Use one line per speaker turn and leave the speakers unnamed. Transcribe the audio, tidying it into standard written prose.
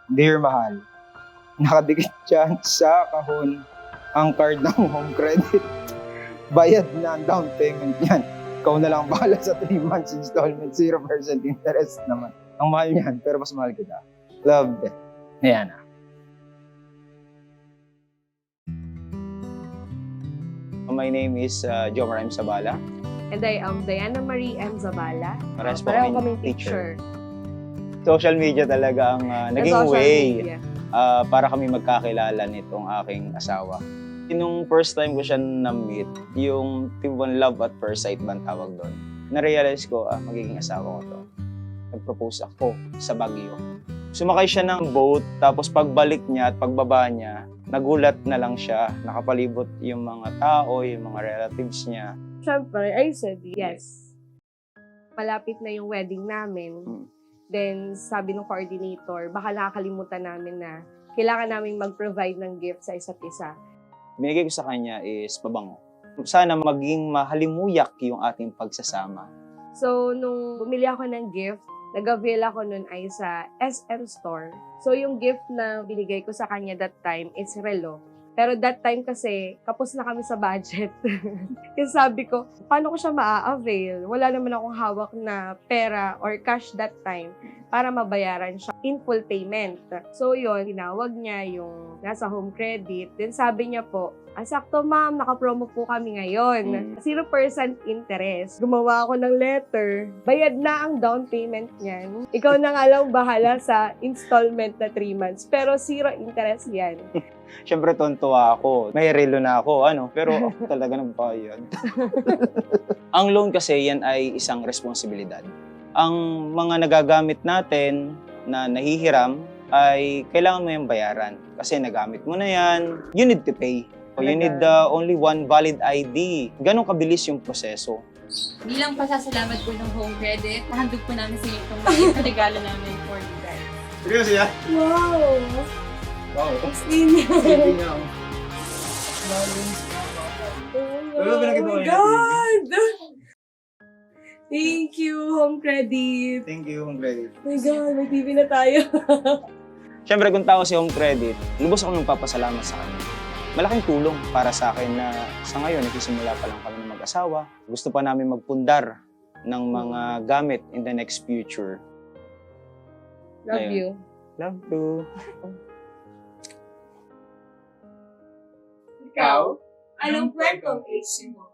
Dear Mahal, nakadikit dyan sa kahon ang card ng home credit. Bayad na ang down payment yan. Ikaw na lang bahala sa 3 months installment, 0% interest naman. Ang mahal niyan, pero mas mahal kita. Love, Diana. My name is Jomar M. Zabala.
And I am Diana Marie M. Zabala.
Parehas po
Pareho
kaming
kaming teacher.
Social media talaga ang naging
Sa social
way
media.
para kami magkakilala nitong aking asawa. Nung first time ko siya na-meet, yung tibon love at first sight ba ang tawag doon, na-realize ko, magiging asawa ko to. Nag-propose ako sa Baguio. Sumakay siya ng boat, tapos pagbalik niya at pagbaba niya, nagulat na lang siya. Nakapalibot yung mga tao, yung mga relatives niya.
Siyempre, I said yes. Malapit na yung wedding namin. Then, sabi ng coordinator, baka nakakalimutan namin na kailangan namin mag-provide ng gift sa isa't isa.
Binigay ko sa kanya is pabango. Sana maging mahalimuyak yung ating pagsasama.
So, nung bumili ako ng gift, nag-avail ako nun ay sa SM Store. So, yung gift na binigay ko sa kanya that time is relo. Pero that time kasi, kapos na kami sa budget. Kasi sabi ko, paano ko siya maa-avail? Wala naman akong hawak na pera or cash that time para mabayaran siya in full payment. So yun, tinawag niya yung nasa home credit. Then sabi niya po, sakto ma'am, naka-promo po kami ngayon. 0% interest. Gumawa ako ng letter. Bayad na ang down payment niyan. Ikaw na nga lang bahala sa installment na 3 months. Pero 0 interest yan.
Siyempre, tontuwa ako. May relo na ako, pero ako talaga nagbayad. Ang loan kasi, yan ay isang responsibilidad. Ang mga nagagamit natin na nahihiram ay kailangan mo yung bayaran. Kasi nagamit mo na yan, you need to pay. You need only one valid ID. Ganon kabilis yung proseso.
Bilang pasasalamat po ng home credit, nahandog po namin sa inyo itong maliit na regalo namin for you guys.
Seryoso yan?
Wow!
Wow.
Extreme.
Hindi niya ako.
Oh my God! Thank you, home credit.
Thank you, Home Credit.
Oh my God, may TV na tayo.
Siyempre, kung tao si Home Credit, lubos ako nagpapasalamat sa kanya. Malaking tulong para sa akin na sa ngayon, nagsisimula pa lang kami ng mag-asawa. Gusto pa namin magpundar ng mga gamit in the next future.
Love
Ayun.
you.
Love you.
Ikaw, anong kwentong age mo?